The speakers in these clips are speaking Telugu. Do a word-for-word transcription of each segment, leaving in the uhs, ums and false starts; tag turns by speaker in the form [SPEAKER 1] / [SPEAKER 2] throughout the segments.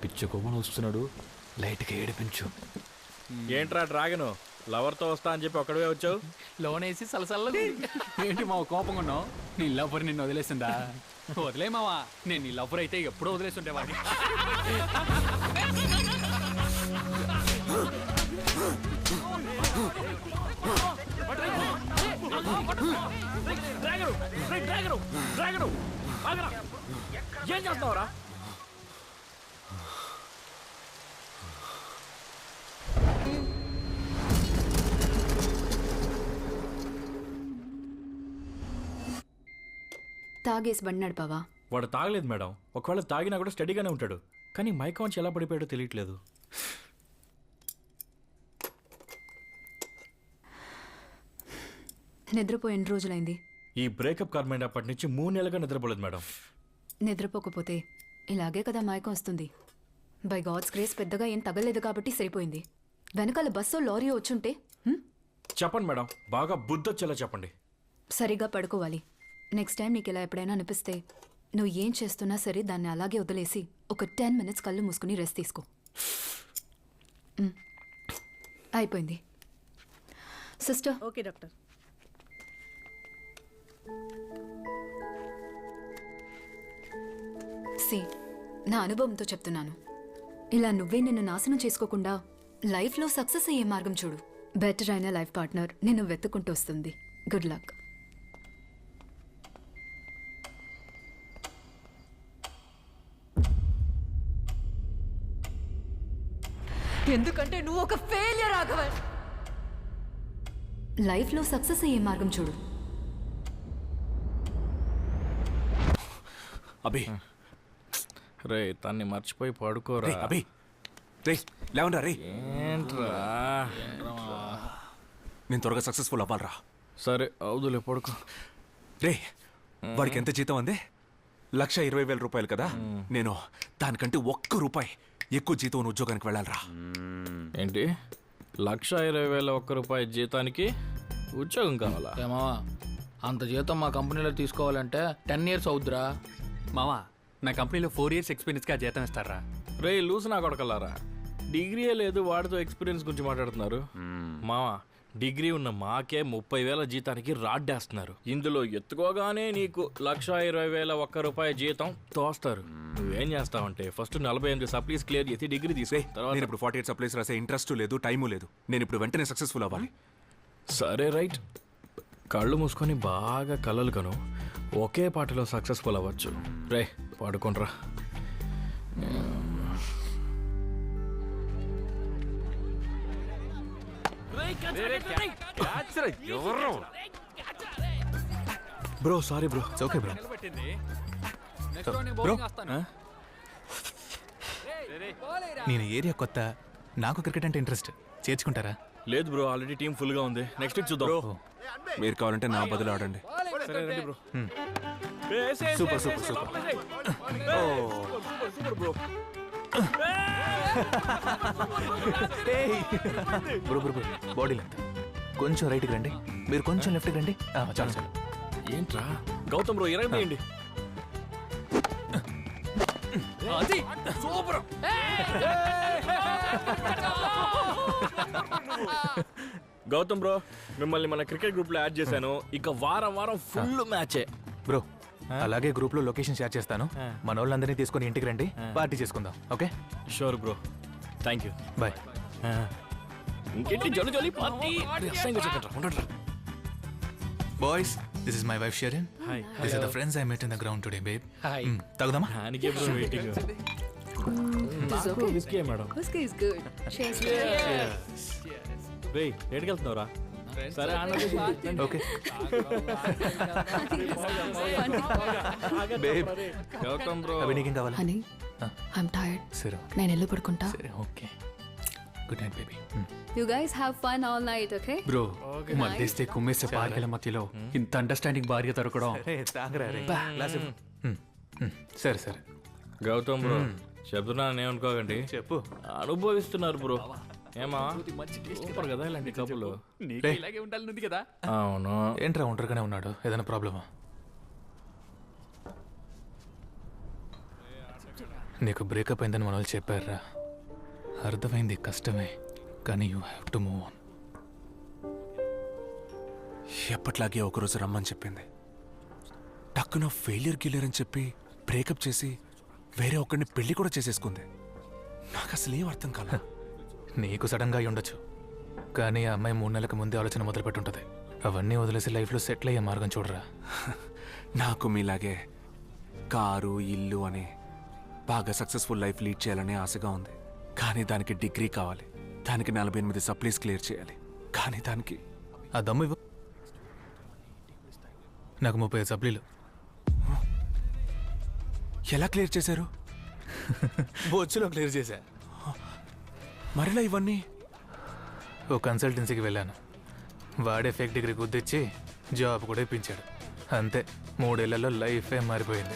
[SPEAKER 1] పిచ్చి కొమ్మను వస్తున్నాడు, లైట్గా ఏడిపించు.
[SPEAKER 2] ఏంట్రా డ్రాగను లవర్తో వస్తా అని చెప్పి ఒక్కడే వచ్చావు?
[SPEAKER 1] లోన్ వేసి సలసల్ల ఏంటి మావ కోపంగా ఉన్నావు? నీ లవర్ నిన్ను వదిలేసిందా? వదిలే మావా, నేను నీ లవర్ అయితే ఎప్పుడో వదిలేస్తుంటే వాడిని.
[SPEAKER 2] ఏం చేస్తున్నావురా?
[SPEAKER 3] తాగేసి బండి నడిపావా?
[SPEAKER 2] వాడు తాగలేదు మేడం. ఒకవేళ తాగినా కూడా స్టడీగానే ఉంటాడు, కానీ మైకం వచ్చి ఎలా పడిపోయాడో తెలియట్లేదు.
[SPEAKER 3] నిద్రపోయి ఎన్ని రోజులైంది?
[SPEAKER 2] ఈ బ్రేకప్ కార్మెంట్ అప్పటి నుంచి మూడు నెలలుగా నిద్రపోలేదు మేడం.
[SPEAKER 3] నిద్రపోకపోతే ఇలాగే కదా మైకం వస్తుంది. బై గాడ్స్ గ్రేస్ పెద్దగా ఏం తగలేదు కాబట్టి సరిపోయింది. వెనకాల బస్సో లారీ వచ్చుంటే
[SPEAKER 2] చెప్పండి మేడం, బాగా బుద్ధొచ్చేలా చెప్పండి.
[SPEAKER 3] సరిగా పడుకోవాలి. నెక్స్ట్ టైం నీకు ఇలా ఎప్పుడైనా అనిపిస్తే నువ్వు ఏం చేస్తున్నా సరే దాన్ని అలాగే వదిలేసి ఒక టెన్ మినిట్స్ కళ్ళు మూసుకుని రెస్ట్ తీసుకో. అయిపోయింది సిస్టర్.
[SPEAKER 4] Okay doctor.
[SPEAKER 3] సి, నా అనుభవంతో చెప్తున్నాను, ఇలా నువ్వే నిన్ను నాశనం చేసుకోకుండా లైఫ్లో సక్సెస్ అయ్యే మార్గం చూడు. బెటర్ అయిన లైఫ్ పార్ట్నర్ నిన్ను వెతుక్కుంటూ వస్తుంది. Good luck.
[SPEAKER 4] ఎందుకంటే నువ్వు ఒక ఫెయిలియర్ రాఘవన్.
[SPEAKER 3] లైఫ్లో సక్సెస్ అయ్యే మార్గం చూడు.
[SPEAKER 5] అభి
[SPEAKER 2] రే తన్ని మర్చిపోయి పడుకోరా.
[SPEAKER 5] అభి రే లేవనరా రే.
[SPEAKER 2] ఏంట్రా?
[SPEAKER 5] నేను త్వరగా సక్సెస్ఫుల్ అవ్వాలరా.
[SPEAKER 2] సరే అవుదులే, పడుకో.
[SPEAKER 5] రే వాడికి ఎంత జీతం అందే? లక్ష ఇరవై వేల రూపాయలు కదా. నేను దానికంటే ఒక్క రూపాయి ఎక్కువ జీతం ఉన్న ఉద్యోగానికి వెళ్ళాలరా.
[SPEAKER 2] ఏంటి లక్ష ఇరవై వేల ఒక్క రూపాయి జీతానికి ఉద్యోగం కావాలా?
[SPEAKER 6] ఏమా అంత జీతం మా కంపెనీలో తీసుకోవాలంటే టెన్ ఇయర్స్ అవుద్దిరా.
[SPEAKER 1] మావా, నా కంపెనీలో ఫోర్ ఇయర్స్ ఎక్స్పీరియన్స్గా జీతం ఇస్తారా?
[SPEAKER 2] రే లూస్ నా కొడకల్లారా, డిగ్రీయే లేదు వాడితో ఎక్స్పీరియన్స్ గురించి మాట్లాడుతున్నారు. మావా డిగ్రీ ఉన్న మాకే ముప్పై వేల జీతానికి రాడ్డేస్తున్నారు. ఇందులో ఎత్తుకోగానే నీకు లక్ష ఇరవై వేల ఒక్క రూపాయి జీతం తోస్తారు. నువ్వేం చేస్తావంటే ఫస్ట్ నలభై ఎనిమిది సప్లీస్ క్లియర్ చేసి డిగ్రీ తీసే.
[SPEAKER 5] నేను ఇప్పుడు ఫార్టీ ఎయిట్ సప్లైస్ రాసే ఇంట్రెస్ట్ లేదు, టైము లేదు. నేను ఇప్పుడు వెంటనే సక్సెస్ఫుల్ అవ్వాలి.
[SPEAKER 2] సరే రైట్, కళ్ళు మూసుకొని బాగా కలలు కను, ఒకే పాటలో సక్సెస్ఫుల్ అవ్వచ్చు. రే పడుకోనరా. Bro sorry bro.
[SPEAKER 5] Okay bro.
[SPEAKER 1] Bro,
[SPEAKER 7] నేను ఏరియా కొత్త, నాకు క్రికెట్ అంటే ఇంట్రెస్ట్, చేర్చుకుంటారా?
[SPEAKER 2] లేదు బ్రో, ఆల్రెడీ టీం ఫుల్ గా ఉంది. నెక్స్ట్ వీక్ చూద్దాం.
[SPEAKER 5] మీరు కావాలంటే నా బదులు ఆడండి.
[SPEAKER 2] సరే రండి bro.
[SPEAKER 5] Super super super.
[SPEAKER 2] Bro
[SPEAKER 7] bro bro bro body length కొంచెం రైట్కి రండి, మీరు కొంచెం లెఫ్ట్కి రండి. ఆ, చాలు చాలు.
[SPEAKER 2] ఏంట్రా గౌతమ్ బ్రో ఇరవై తీయండి. సూపర్. గౌతమ్ బ్రో మిమ్మల్ని మన క్రికెట్ గ్రూప్ లో యాడ్ చేశాను. ఇక వారం వారం ఫుల్ మ్యాచే
[SPEAKER 7] బ్రో. అలాగే గ్రూప్ లో లొకేషన్ షేర్ చేస్తాను, మన వాళ్ళందరినీ తీసుకొని ఇంటికి రండి, పార్టీ చేసుకుందాం. Okay
[SPEAKER 2] sure bro, thank you,
[SPEAKER 7] bye.
[SPEAKER 2] ఇంకేంటి జోలి జోలి పార్టీ. ఉండరా
[SPEAKER 7] boys, this is my wife Sherin.
[SPEAKER 2] Hi.
[SPEAKER 7] This are the friends I met in the ground today babe.
[SPEAKER 6] Hi.
[SPEAKER 7] తాగుదామా?
[SPEAKER 2] దానికే bro waiting. Whiskey madam.
[SPEAKER 3] Whiskey is good. Cheers.
[SPEAKER 2] రేయ్ ఎక్కడికి వెళ్తున్నావురా? సరే
[SPEAKER 7] ఓకే బేబ్.
[SPEAKER 2] గౌతమ్ బ్రో.
[SPEAKER 7] అవి నీకేం కావాలి?
[SPEAKER 3] Honey, I'm tired.
[SPEAKER 7] సరే
[SPEAKER 3] నేను ఇల్లు పడుకుంటా.
[SPEAKER 7] సరే okay. Good night baby.
[SPEAKER 3] You guys have fun all night, okay?
[SPEAKER 1] Bro, మధ్యస్తే కుమ్మేసే పార్కెల మధ్యలో ఇంత అండర్స్టాండింగ్ భార్య దొరకడం.
[SPEAKER 7] సరే సరే
[SPEAKER 2] గౌతమ్ బ్రో చెప్తున్నాను ఏమనుకోకండి,
[SPEAKER 7] చెప్పు.
[SPEAKER 2] అనుభవిస్తున్నారు బ్రో. ఏమా సూపర్ కదా ఇలాంటి కబుర్లు.
[SPEAKER 1] ఇలాగే ఉండాలని కదా.
[SPEAKER 2] అవును.
[SPEAKER 7] ఏంట్రా ఒంటరిగానే ఉన్నాడు, ఏదైనా ప్రాబ్లమా? నీకు బ్రేకప్ అయిందని మన వాళ్ళు చెప్పారా? అర్థమైంది, కష్టమే, కానీ you have to move on.
[SPEAKER 5] ఎప్పట్లాగే ఒకరోజు రమ్మని చెప్పింది. టక్కున ఫెయిలియర్ గిల్లర్ అని చెప్పి బ్రేకప్ చేసి వేరే ఒకరిని పెళ్లి కూడా చేసేసుకుంది. నాకు అసలు ఏం అర్థం కాల.
[SPEAKER 7] నీకు సడన్గా అయి ఉండొచ్చు, కానీ ఆ అమ్మాయి మూడు నెలలకు ముందే ఆలోచన మొదలుపెట్టుంటుంది. అవన్నీ వదిలేసి లైఫ్లో సెటిల్ అయ్యే మార్గం చూడరా.
[SPEAKER 5] నాకు మీలాగే కారు ఇల్లు అని బాగా సక్సెస్ఫుల్ లైఫ్ లీడ్ చేయాలనే ఆశగా ఉంది. కానీ దానికి డిగ్రీ కావాలి, దానికి నలభై ఎనిమిది సప్లీస్ క్లియర్ చేయాలి. కానీ దానికి
[SPEAKER 7] ఆ దమ్ము ఇవ్వు. నాకు ముప్పై ఐదు సప్లీలు.
[SPEAKER 5] ఎలా క్లియర్ చేశారు?
[SPEAKER 7] బొచ్చులో క్లియర్ చేశా.
[SPEAKER 5] మరలా ఇవన్నీ?
[SPEAKER 7] ఓ కన్సల్టెన్సీకి వెళ్ళాను. వాడే ఫేక్ డిగ్రీ గుద్దిచ్చి జాబ్ కూడా ఇప్పించాడు. అంతే, మూడేళ్లలో లైఫే మారిపోయింది.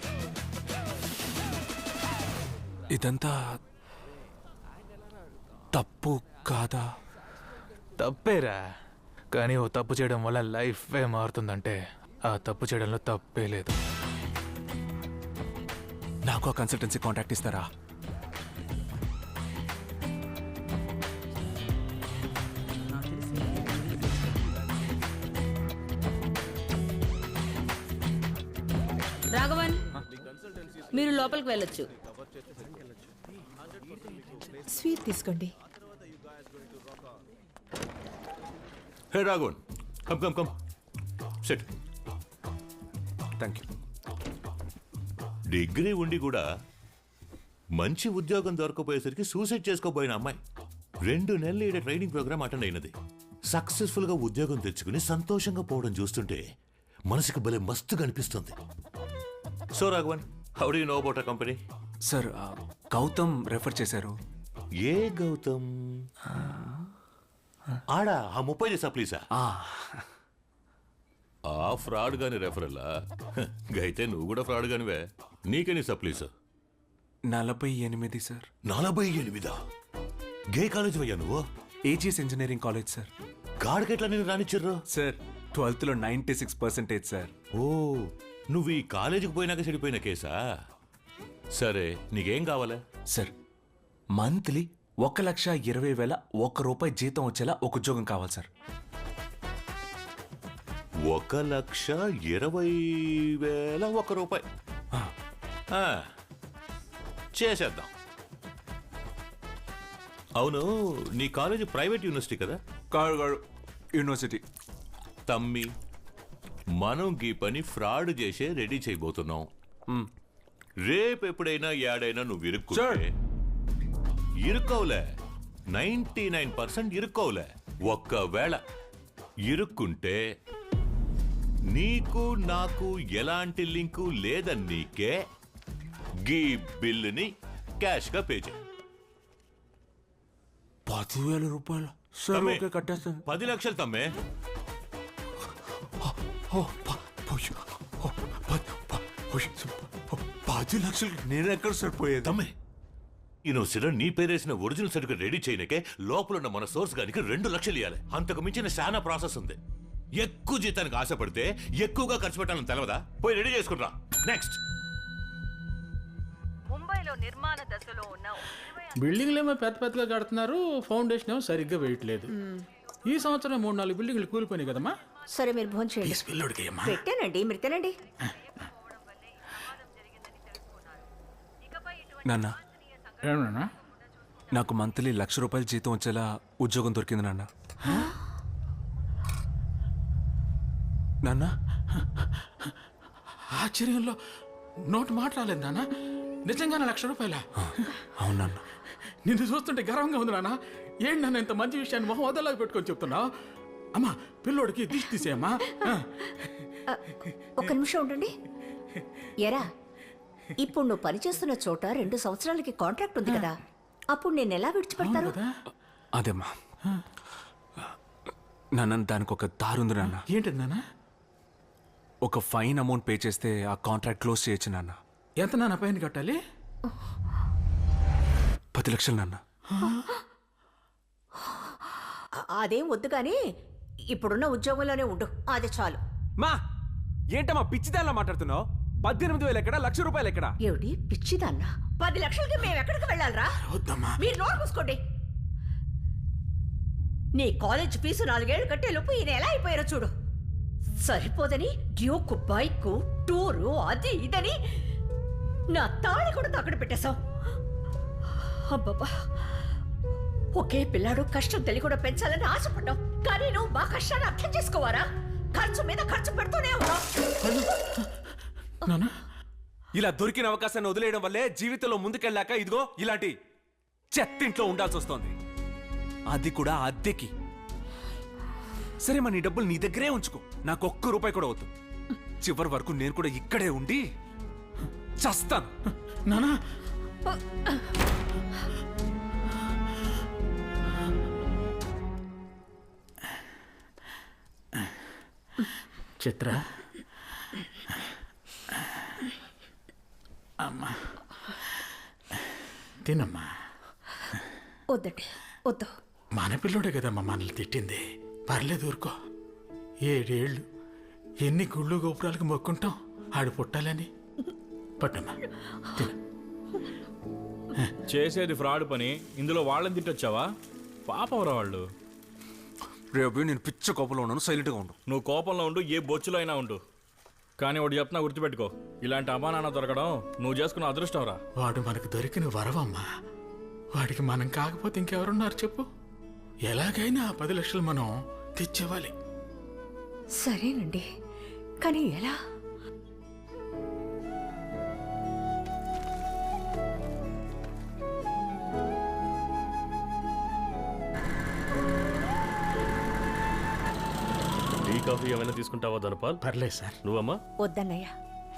[SPEAKER 5] ఇదంతా తప్పు కాదా?
[SPEAKER 7] తప్పేరా, కానీ ఓ తప్పు చేయడం వల్ల లైఫే మారుతుందంటే ఆ తప్పు చేయడంలో తప్పే లేదు.
[SPEAKER 5] నాకు ఆ కన్సల్టెన్సీ కాంటాక్ట్ ఇస్తారా?
[SPEAKER 8] రాఘవన్, మీరు లోపలికి వెళ్ళొచ్చు.
[SPEAKER 4] స్వీట్ తీసుకోండి.
[SPEAKER 9] Hey Raghavan, come come come sit.
[SPEAKER 5] Thank you.
[SPEAKER 9] Degree ఉండి కూడా మంచి ఉద్యోగం దొరకపోయేసరికి సూసైడ్ చేసుకోబోయిన అమ్మాయి రెండు నెలలు ఈడ ట్రైనింగ్ ప్రోగ్రామ్ అటెండ్ అయినది. సక్సెస్ఫుల్గా ఉద్యోగం తెచ్చుకుని సంతోషంగా పోవడం చూస్తుంటే మనసుకు భలే మస్తుగా అనిపిస్తుంది. So Raghavan, how do you know about a company?
[SPEAKER 5] Sir, Gautam refer చేశారు.
[SPEAKER 9] ఏ గౌతమ్? ఆడా ఆ ముప్పై సప్లీసా?
[SPEAKER 5] ఆ,
[SPEAKER 9] ఆ ఫ్రాడ్ గాని రెఫరల్లా? అయితే నువ్వు కూడా ఫ్రాడ్ గానివే. నీకెన్ని సప్లీస్?
[SPEAKER 5] నలభై ఎనిమిది సార్.
[SPEAKER 9] నలభై ఎనిమిదా? గే కాలేజ్ అయ్యా నువ్వు?
[SPEAKER 5] AGS engineering college sir.
[SPEAKER 9] గాడికెట్లా నేను రానిచ్చిర్రు?
[SPEAKER 5] సార్, ట్వెల్త్లో నైంటీ సిక్స్ పర్సెంటేజ్ సార్.
[SPEAKER 9] ఓ, నువ్వు ఈ కాలేజీకి పోయినాక చెడిపోయిన కేసా? సరే, నీకేం కావాలా?
[SPEAKER 5] సార్, మంత్లీ ఒక లక్ష ఇరవై వేల ఒక్క రూపాయి జీతం వచ్చేలా ఒక ఉద్యోగం కావాలి సార్.
[SPEAKER 9] ఒక లక్ష ఇరవై వేల ఒక రూపాయి ఆ, చేసేద్దాం. అవును, నీ కాలేజీ ప్రైవేట్ యూనివర్సిటీ కదా?
[SPEAKER 5] కాదు కాదు, యూనివర్సిటీ.
[SPEAKER 9] తమ్మి, మనం గీ పని ఫ్రాడ్ చేసే రెడీ చేయబోతున్నాం. రేపు ఎప్పుడైనా యాడైనా నువ్వు ఇరుక్కుంటే, ఇరుక్కోవులే, నైంటీ నైన్ పర్సెంట్ ఇరుక్కోవులే, ఒక్కవేళ ఇరుక్కుంటే నీకు నాకు ఎలాంటి లింకు లేదని నీకే గీ బిల్లుని క్యాష్ గా పే చేయి.
[SPEAKER 5] పదివేల రూపాయలు సార్.
[SPEAKER 9] తమ్మి,
[SPEAKER 5] ఓకే, కట్టేస్తాను.
[SPEAKER 9] పది లక్షలు తమ్మే.
[SPEAKER 5] ఓ, ప- పోయ్. ఓ, ప- ప- పోయ్. ఓ, పది లక్షలు నేను ఎక్కడ సరిపోయేది?
[SPEAKER 9] తమ్మే, యూనివర్సిటీలో నీ పేరేసిన ఒరిజినల్ సర్టిఫికేట్ రెడీ చేయనికే లోపల ఉన్న మన సోర్స్ గానికి రెండు లక్షలు ఇవ్వాలి. అంతకు మించిన చాలా ప్రాసెస్ ఉంది. ఎక్కువ జీతానికి ఆశపడితే ఎక్కువగా ఖర్చు పెట్టాలని తెలవదా? పోయి రెడీ చేసుకుంటా. నెక్స్ట్.
[SPEAKER 4] ముంబైలో నిర్మాణ దశలో ఉన్న
[SPEAKER 6] బిల్డింగ్లు ఏమో పెద్ద పెద్దగా కడుతున్నారు, ఫౌండేషన్ ఏమో సరిగ్గా వేయట్లేదు. ఈ సంవత్సరం మూడు నాలుగు బిల్డింగ్లు కూలిపోయినాయి కదమ్మా.
[SPEAKER 4] సరే మీరు భోజనం చేయండి.
[SPEAKER 6] పిల్లోడికి అమ్మా.
[SPEAKER 4] పెట్టానండి, మీరు తినండి.
[SPEAKER 5] నాన్న,
[SPEAKER 6] ఏమన్నా?
[SPEAKER 5] నాకు మంత్లీ లక్ష రూపాయలు జీతం వచ్చేలా ఉద్యోగం దొరికింది నాన్న. నాన్న,
[SPEAKER 6] ఆశ్చర్యంలో నోటు మాట్లాడలేదు నాన్న. నిజంగానే లక్ష రూపాయల?
[SPEAKER 5] అవును నాన్న.
[SPEAKER 6] నిన్ను చూస్తుంటే గర్వంగా ఉంది నాన్న. ఏంటి నాన్న ఇంత మంచి విషయాన్ని మొహం వదలాగా పెట్టుకొని చెప్తున్నావు? అమ్మా, పిల్లోడికి దిష్టి తీసేయమ్మా. ఆ.
[SPEAKER 4] ఆ, ఒక్క నిమిషం ఉండండి. ఎరా, ఇప్పుడు నువ్వు పనిచేస్తున్న చోట రెండు సంవత్సరాలకి కాంట్రాక్ట్ ఉంది కదా, అప్పుడు నేను ఎలా విడిచిపెడతాను?
[SPEAKER 5] అదేమ్మా నాన్న, దానికి ఒక దారుంది నాన్న.
[SPEAKER 6] ఏంటి నాన్న?
[SPEAKER 5] ఒక ఫైన్ అమౌంట్ పే చేస్తే ఆ కాంట్రాక్ట్ క్లోజ్ చేయొచ్చు నాన్న.
[SPEAKER 6] ఎంత నాన్న పైన కట్టాలి?
[SPEAKER 5] పది లక్షలు నాన్న.
[SPEAKER 4] ఆ- అదేం వద్దు కానీ ఇప్పుడున్న ఉద్యోగంలోనే ఉండు, అది చాలు.
[SPEAKER 5] మా ఏంటమ్మా పిచ్చిదానిలా మాట్లాడుతున్నావు? పద్దెనిమిది వేలు ఎక్కడ, లక్ష రూపాయలు ఎక్కడ?
[SPEAKER 4] ఏమిటి పిచ్చిదన్నా? పది లక్షలకి మేము ఎక్కడికి వెళ్ళాలరా?
[SPEAKER 6] వద్దమ్మా.
[SPEAKER 4] మీరు నోరు మూసుకోండి. నీ కాలేజ్ ఫీజు నాలుగేళ్లు కట్టే లోపు ఈయన ఎలా అయిపోయారో చూడు. సరిపోదని డ్యూక్ బైక్ టూరు అది ఇదని నా తాళి కూడా తాకడ పెట్టేశాం. అబ్బబ్బా, ఒకే పిల్లాడు కష్టం తెలియకుండా పెంచాలని ఆశపడ్డాం. కానీ నువ్వు మా కష్టాన్ని అర్థం చేసుకోవారా? ఖర్చు మీద ఖర్చు పెడుతూనే ఉన్నావు.
[SPEAKER 6] నాన్న,
[SPEAKER 5] ఇలా దొరికిన అవకాశాన్ని వదిలేయడం వల్లే జీవితంలో ముందుకెళ్ళాక ఇదిగో ఇలాంటి చెత్తింట్లో ఉండాల్సి వస్తోంది. అది కూడా అద్దెకి. సరే మరి నీ డబ్బులు నీ దగ్గరే ఉంచుకో, నాకు ఒక్క రూపాయి కూడా వద్దు. చివరి వరకు నేను కూడా ఇక్కడే ఉండి చస్తాను.
[SPEAKER 6] నానా, చిత్ర, అమ్మా తినమ్మా.
[SPEAKER 4] వద్దండి, వద్దు.
[SPEAKER 6] మన పిల్లోడే కదమ్మా మనల్ని తిట్టింది. పర్లేదు ఊరుకో. ఏడేళ్ళు ఎన్ని గుళ్ళు గోపురాలకు మొక్కుంటాం ఆడు పుట్టాలని. పట్టమ్మా తిను.
[SPEAKER 2] చేసేది ఫ్రాడ్ పని, ఇందులో వాళ్ళని తిట్టొచ్చావా? పాపంరా వాళ్ళు.
[SPEAKER 5] రేపు నేను పిచ్చ కోపంలో ఉన్నాను, సైలెంట్గా ఉండు.
[SPEAKER 2] నువ్వు కోపంలో ఉండు, ఏ బొచ్చులో అయినా ఉండు. కానీ ఒకటి చెప్తున్నా, గుర్తుపెట్టుకో, ఇలాంటి అమానాన్న దొరకడం నువ్వు చేసుకున్న అదృష్టం రా.
[SPEAKER 6] వాడు మనకు దొరికిన వరవమ్మా. వాడికి మనం కాకపోతే ఇంకెవరున్నారు చెప్పు? ఎలాగైనా ఆ పది లక్షలు మనం తెచ్చేవాలి.
[SPEAKER 4] సరేనండి, కానీ ఎలా?
[SPEAKER 2] టీ కాఫీ ఏమైనా తీసుకుంటావా ధనపాల్?
[SPEAKER 6] పర్లేదు సార్.
[SPEAKER 2] నువ్వమ్మా?
[SPEAKER 4] వద్దన్నయ్యా.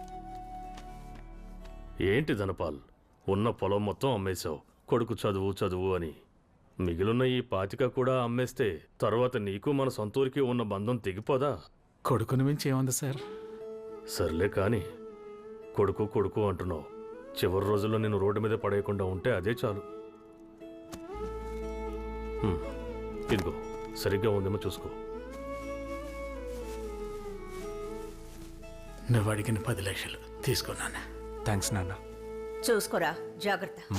[SPEAKER 2] ఏంటి ధనపాల్, ఉన్న పొలం మొత్తం అమ్మేశావు, కొడుకు చదువు చదువు అని. మిగిలిన ఈ పాతిక కూడా అమ్మేస్తే తర్వాత నీకు మన సొంతూరికి ఉన్న బంధం తెగిపోదా?
[SPEAKER 6] కొడుకుని మించి ఏముంది సార్?
[SPEAKER 2] సర్లే కానీ కొడుకు కొడుకు అంటున్నావు. చివరి రోజుల్లో నేను రోడ్డు మీద పడేయకుండా ఉంటే అదే చాలు. హ్మ్, ఇదిగో సరిగ్గా ఉందేమో చూసుకో.
[SPEAKER 6] నువ్వు అడిగిన పది లక్షలు తీసుకున్నాను.
[SPEAKER 5] థ్యాంక్స్ నాన్న.
[SPEAKER 4] చూసుకోరా, జాగ్రత్త.